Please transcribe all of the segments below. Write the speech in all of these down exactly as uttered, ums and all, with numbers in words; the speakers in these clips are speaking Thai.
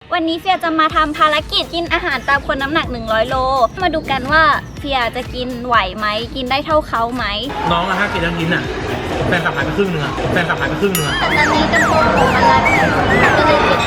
วันนี้เฟียจะมาทำภารกิจกินอาหารตามคนน้ำหนักหนึ่งร้อยโลมาดูกันว่าเฟียจะกินไหวไหมกินได้เท่าเขาไหมน้องอะถ้ากินแล้วกินอ่ะแฟนขับหายไปครึ่งเนื้อแฟนขับหายไปครึ่งเนื้อตอนนี้กระโปรงผมมันรัดก็เลยเก็บ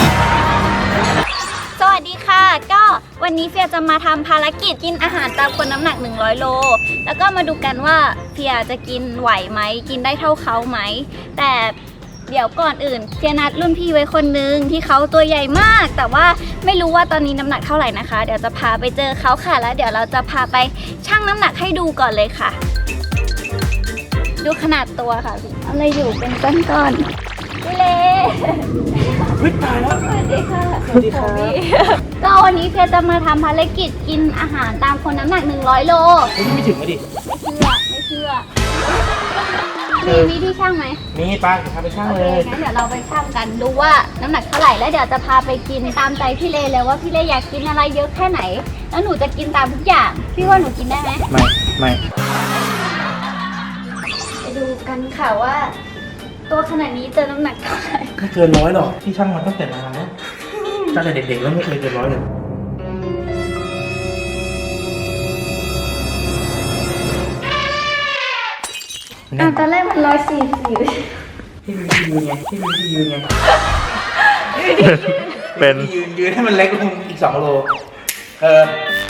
สวัสดีค่ะก็วันนี้เฟียจะมาทำภารกิจกินอาหารตามคนน้ำหนักหนึ่งร้อยโลแล้วก็มาดูกันว่าเฟียจะกินไหวไหมกินได้เท่าเขาไหมแต่เดี๋ยวก่อนอื่นเฟียนัดรุ่นพี่ไว้คนนึงที่เขาตัวใหญ่มากแต่ว่าไม่รู้ว่าตอนนี้น้ำหนักเท่าไหร่นะคะเดี๋ยวจะพาไปเจอเขาค่ะแล้วเดี๋ยวเราจะพาไปชั่งน้ำหนักให้ดูก่อนเลยค่ะดูขนาดตัวค่ะพี่อะไรอยู่เป็นก้อนๆพี่เล่วิตายแล้วสวัสดีค่ะสวัสดีค่ะก็วันนี้เฟียจะมาทำภารกิจกินอาหารตามคนน้ำหนักหนึ่งร้อยโลไม่ถึงอะดิไม่เชื่อไม่เชื่อมีวิธีช่างไหมมีป้าพาไปช่างเลยงั้นเดี๋ยวเราไปช่างกันดูว่าน้ำหนักเท่าไหร่แล้วเดี๋ยวจะพาไปกินตามใจพี่เลเลยว่าพี่เลอยากกินอะไรเยอะแค่ไหนแล้วหนูจะกินตามทุกอย่างพี่ว่าหนูกินได้ไหมไม่ไม่ไปดูกันค่ะว่าตัวขนาดนี้เจอน้ำหนักเท่าไหร่ไม่เกินร้อยหรอกที่ช่างมันตั้งแต่นานแล้วตั้งแต่เด็กๆแล้วไม่เคยเกินร้อยเลยตอนแรกมันร้อยสี่สิบที่มีที่ยืนไงที่มีที่ยืนไงเป็นยืนยืนให้มันเล็กลงอีกสองโลเออ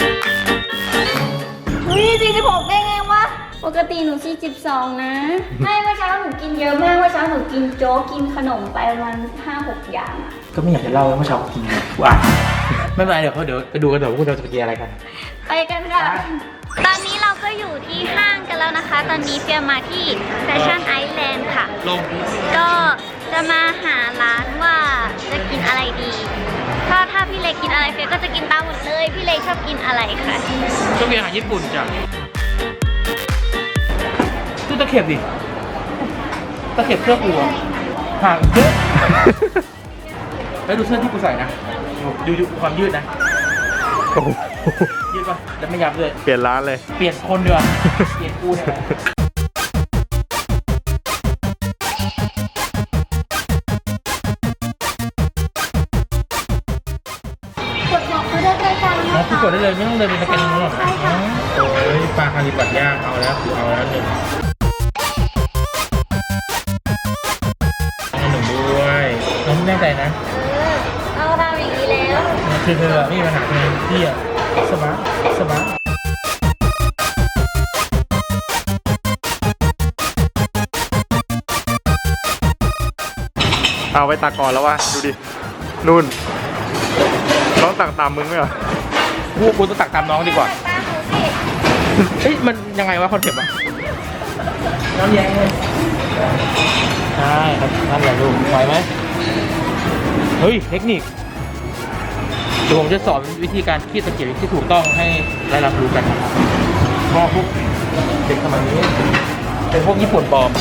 วิ่งสี่สิบหกได้ไงวะปกติหนูสี่สิบสองนะไม่เมื่อเช้าหนูกินเยอะมากเมื่อเช้าหนูกินโจ๊กกินขนมไปประมาณห้าหกอย่างอ่ะก็ไม่อยากจะเล่าว่าเมื่อเช้ากินว้าไม่เป็นไรเดี๋ยวเขาเดี๋ยวไปดูกันเดี๋ยวพวกเราจะไปกินอะไรกันไปกันค่ะตอนนี้เราก็อยู่ที่ห้างกันแล้วนะคะตอนนี้เฟียมาที่แฟชั่นไอแลนด์ค่ะลงก็จะมาหาร้านว่าจะกินอะไรดีถ้าถ้าพี่เล็กกินอะไรเฟียก็จะกินตามหมดเลยพี่เล็กชอบกินอะไรคะชอบกินอาหารญี่ปุ่นจ้ะดูตะเข็บดิตะเข็บเสื้อกูห่างเยอะแล้วดูเสื้อที่กูใส่นะดูดูความยืดนะยืดป่ะแล้วไม่ยับเลยเปลี่ยนร้านเลยเปลี่ยนคนเดียวเปลี่ยนกูเนี่ยกดบอกเขาได้ใกล้ๆนะคะกดได้เลยไม่ต้องเดินไปสแกนนู้นหรอกโอ้ยปลาคาริบัตย่างเอาแล้วคือเอาแล้วหนึ่งเอาหนึ่งด้วยน้องแน่ใจนะเอาทำอย่างนี้แล้วคือเธอไม่มีปัญหาใช่ไหมพี่อะสบายสบายเอาไปตักก่อนแล้ววะดูดินู่นน้องตักตามมึงไหมเหรอกูกูต้องตักตามน้องดีกว่าเฮ้ยมันยังไงวะคอนเซ็ปต์อะน้ำแยงเลยใช่ครับนั่นแหละลูกไหวไหมเฮ้ยเทคนิคเดี๋ยวผมจะสอนวิธีการคีบตะเกียบที่ถูกต้องให้ได้รับรู้กันนะครับเพราะพวกเด็กสมัยนี้เป็นพวกญี่ปุ่นปลอม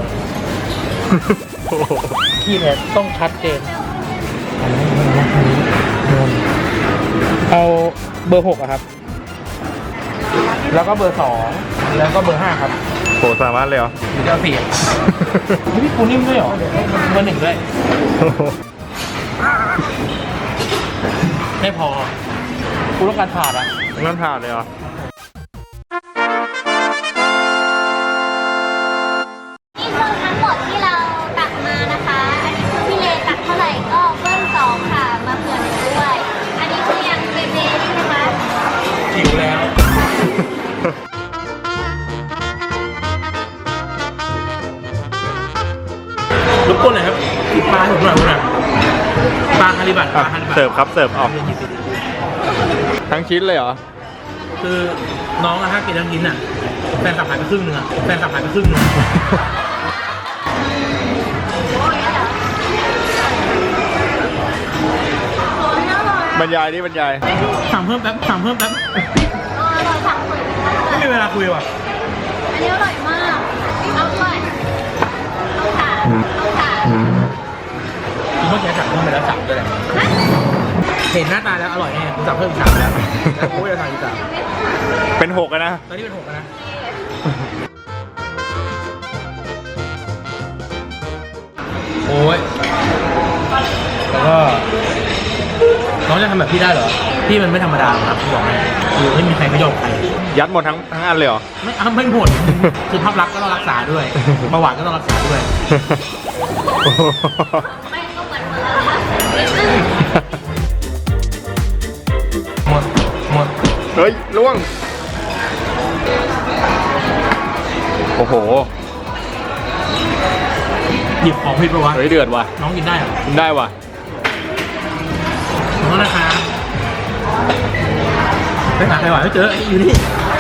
คีบเนี่ยต้องชัดเจนเอาเบอร์หกอะครับแล้วก็เบอร์สองแล้วก็เบอร์ห้าครับโหสามารถเลยเหรอหรือจะเสียพี่ปูนิ่มด้วยเหรอเบอร์หนึ่งด้วยไม่พอกูต้องการถาดอะต้องถาดเลยเหรอนี่คือทั้งหมดที่เราตักมานะคะอันนี้คือพี่เลตักเท่าไหร่ก็เพิ่มสองค่ะมาเผื่อหนูด้วยอันนี้คือยังเบเบ้ใช่ไหมหิวแล้วรบกวนหน่อยครับปลาให้ผมหน่อยผมหน่อยปลาคาริบัตปลาคาริบัตเสิร์ฟครับเสิร์ฟออกทั้งชิ้นเลยเหรอคือน้องอะถ้ากินแล้วกินอะแฟนขับหายไปครึ่งเนื้อแฟนขับหายไปครึ่งเนื้อบรรยายดิบรรยายสั่งเพิ่มแป๊บสั่งเพิ่มแป๊บไม่มีเวลาคุยว่ะอันนี้อร่อยมากเอาด้วยเอาขาเอาขาคุณเมื่อกี้สั่งเพิ่มไปแล้วสั่งด้วยแหละเห็นหน้าตาแล้วอร่อยแน่คุณสั่งเพิ่มสามแล้วแล้วกูจะสั่งอีกสามเป็นหกนะตอนนี้เป็นหกนะโอ้ยแล้วก็น้องจะทำแบบพี่ได้เหรอพี่มันไม่ธรรมดาครับพี่บอกให้คือไม่มีใครไม่ยอมใครยัดหมดทั้งทั้งอันเลยเหรอไม่เอาไม่หมดคือภาพลักษณ์ก็ต้องรักษาด้วยเบาหวานก็ต้องรักษาด้วยไม่ก็เหมือนหมดแล้วค่ะนิดนึงหมดหมดเฮ้ยล่วง โอ้โหหยิบของผิดปะวะเฮ้ยเดือดว่ะน้องกินได้เหรอกินได้ว่ะขอโทษนะคะไปหาใครหวานไม่เจออยู่นี่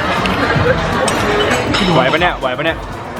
ไหวปะเนี่ย ไหวปะเนี่ย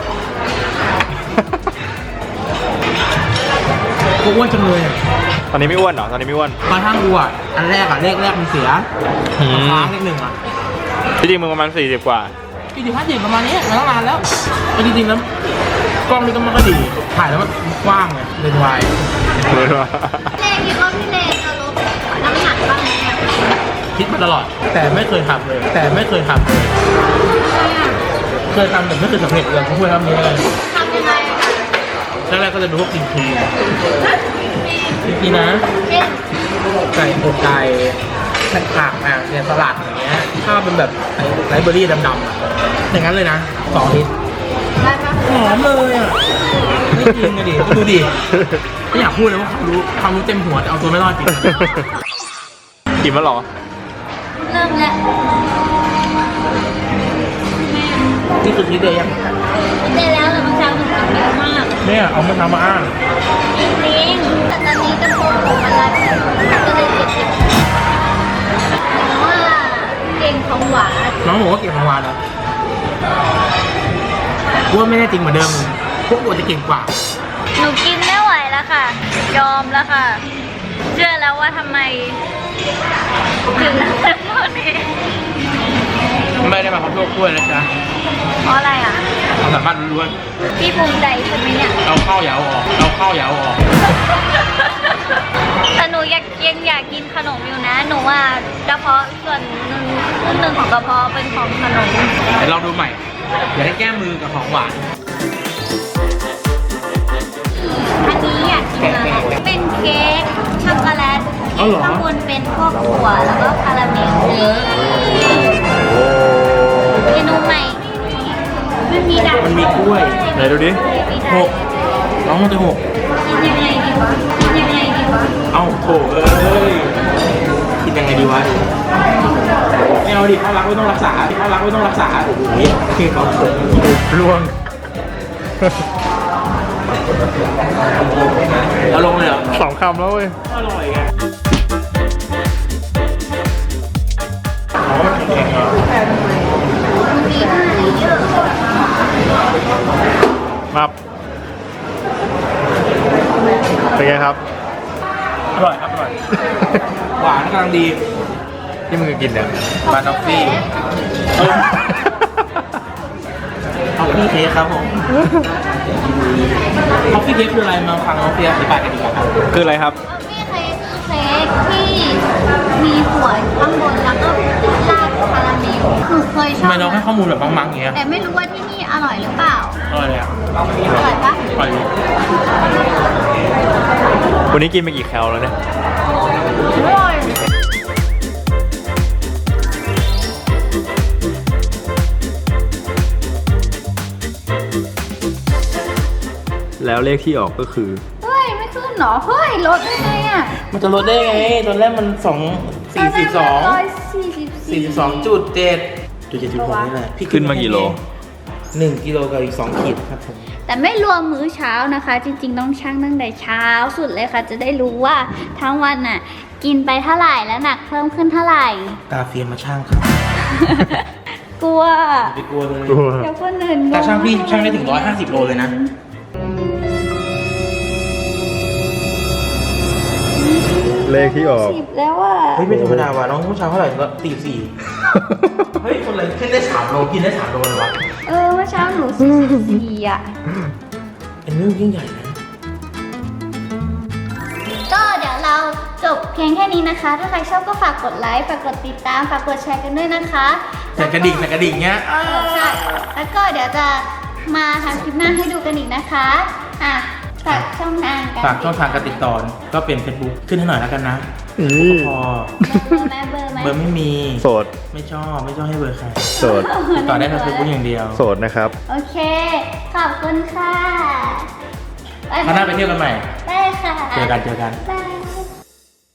กูอ้วนจังเลยอ่ะตอนนี้ไม่อ้วนเหรอ ตอนนี้ไม่อ้วนมาทั้งกูอ่ะอันแรกอ่ะเลขแรกมันเสียอืมค้างเลขหนึ่งอ่ะที่จริงมึงประมาณสี่สิบกว่ากี่สิบห้าสิบประมาณนี้มาตั้งนานแล้วเอาจริงๆแล้วกล้องนี่ก็มันก็ดีถ่ายแล้วมันกว้างไงเลนส์วายเลคิดว่าพี่เลจะลดน้ำหนักบ้างไหมเนี่ยคิดมาตลอด แต่ไม่เคยทำเลย แต่ไม่เคยทำเลยเคยทำแต่ไม่เคยสำเร็จเลยพูดทำนี้เลยทำยังไงอะคะแรกๆก็จะดูพวกกินทีกินทีนะเช่นไก่อกไก่แผ่นผักอ่ะเนี่ยสลัดอย่างเงี้ยถ้าเป็นแบบไรเบอรี่ดำๆอ่ะอย่างนั้นเลยนะสองลิตรได้ปะหอมเลยอ่ะไม่จริงอะดิดูดิไม่อยากพูดเลยว่าความรู้ความรู้เต็มหัวแต่เอาตัวไม่รอดจริงกินมาหรอเริ่มแล้วนี่คือคิดเดียวยังกินได้แล้วแต่บางเช้าหนูกินเยอะมากเนี่ยเอามาทำมาอ้างจริงๆแต่ตอนนี้กระโปรงของมันรัดก็เลยเจ็บๆแต่ว่าเก่งของหวานน้องบอกว่าเก่งของวานนะกูว่าไม่ได้จริงเหมือนเดิมพวกกูจะเก่งกว่าหนูกินไม่ไหวแล้วค่ะ ยอมแล้วค่ะ เชื่อแล้วว่าทำไมถึงเป็นพวกนี้ไม่ได้มาขอโทษกล้วยนะจ๊ะเพราะอะไรอ่ะความสามารถล้วนพี่ภูมิใจใช่ไหมเนี่ยๆเอาข้าวยาวออกเอาข้าวยาวออกแต่หนูอยากยังอยากกินขนมอยู่นะ หนูว่ากระเพาะส่วนหนึ่งครึ่งหนึ่งของกระเพาะเป็นของขนมเดี๋ยวลองดูใหม่อย่าได้แก้มือกับของหวานอันนี้อยากกินอะไรเป็นเค้กช็อกโกแลตที่ข้างบนเป็นพวกถั่วแล้วก็คาราเมลเมนูใหม่มันมีดักมันมีกล้วยไหนดูดิหกน้องมันจะหกกินยังไงดีวะกินยังไงดีวะเอ้าโถเอ้ยคิดยังไงดีวะไม่เอาดิภาพลักษณ์ไม่ต้องรักษาภาพลักษณ์ไม่ต้องรักษาโอ้โหคือเขาเขินล่วงเอาลงเลยเหรอสองคำแล้วเว้ยอร่อยไงอ๋อมันแข็งๆเหรอมันมีห้าเลเยอร์มาเป็นไงครับอร่อยครับอร่อย หวานกำลังดีที่มึงกินเนี่ยบานอฟฟี่ท็อฟฟี่เค้กครับผมท็อฟฟี่เค้กคืออะไรมาฟังน้องเฟียอธิบายกันดีกว่าครับคืออะไรครับนี่เค้กคือเค้กที่มีหัวข้างบนแล้วก็ราดคาราเมลหนูเคยชทำอบไมน้องให้ข้อมูลแบบมังๆอย่างเงี้ยแต่ไม่รู้ว่าที่นี่อร่อยหรือเปล่าอร่อยเลยอ่ะอร่อยปะอร่อยดีวันนี้กินไปกี่แคลแล้วเนี่ยอร่อยแล้วเลขที่ออกก็คือเฮ้ยไม่ขึ้นเหรอ เฮ้ยลดได้ไงอ่ะมันจะลดได้ไง ตอนแรกมันสองสี่สิบสองร้อยสี่สิบสี่สิบสองจุดเจ็ดจุดเจ็ดจุดหกนี่แหละพี่ขึ้นมากี่โลหนึ่งกิโลกับอีกสองขีดครับผมแต่ไม่รวมมื้อเช้านะคะ จริงๆต้องชั่งตั้งแต่เช้าสุดเลยค่ะ จะได้รู้ว่าทั้งวันน่ะ กินไปเท่าไหร่แล้วหนักเพิ่มขึ้นเท่าไหร่ตาเฟียมมาช่างครับกลัวอย่าไปกลัวเลยเดี๋ยวคนอื่นตาช่างพี่ช่างได้ถึงร้อยห้าสิบโลเลยนะเลขที่ออกสิบแล้วอ่ะเฮ้ยไม่ธรรมดาว่ะน้องผู้ชายเท่าไหร่ก็ตีสี่ เฮ้ยคนอะไรขึ้นได้สามโลกินได้สามโลเลยวะเออเมื่อเช้าหนูสี่สิบสี่อ่ะเป็นเรื่องยิ่งใหญ่นะก็เดี๋ยวเราจบเพียงแค่นี้นะคะ ถ้าใครชอบก็ฝากกดไลค์ ฝากกดติดตาม ฝากกดแชร์กันด้วยนะคะใส่กระดิ่งใส่กระดิ่งเงี้ยใช่ แล้วก็เดี๋ยวจะมาทำคลิปหน้าให้ดูกันอีกนะคะ อ่ะ ฝากช่องทางกันฝากช่องทางการติดต่อก็เป็น Facebook ขึ้นให้หน่อยแล้วกันนะนี่พอแม่เบอร์ไหมเบอร์ไม่มีโสดไม่ชอบไม่ชอบให้เบอร์ใครโสดติดต่อได้ทางเฟซบุ๊กอย่างเดียวโสดนะครับโอเค ขอบคุณค่ะคราวหน้าไปเที่ยวกันใหม่ได้ค่ะเจอกันเจอกันบ๊ายบาย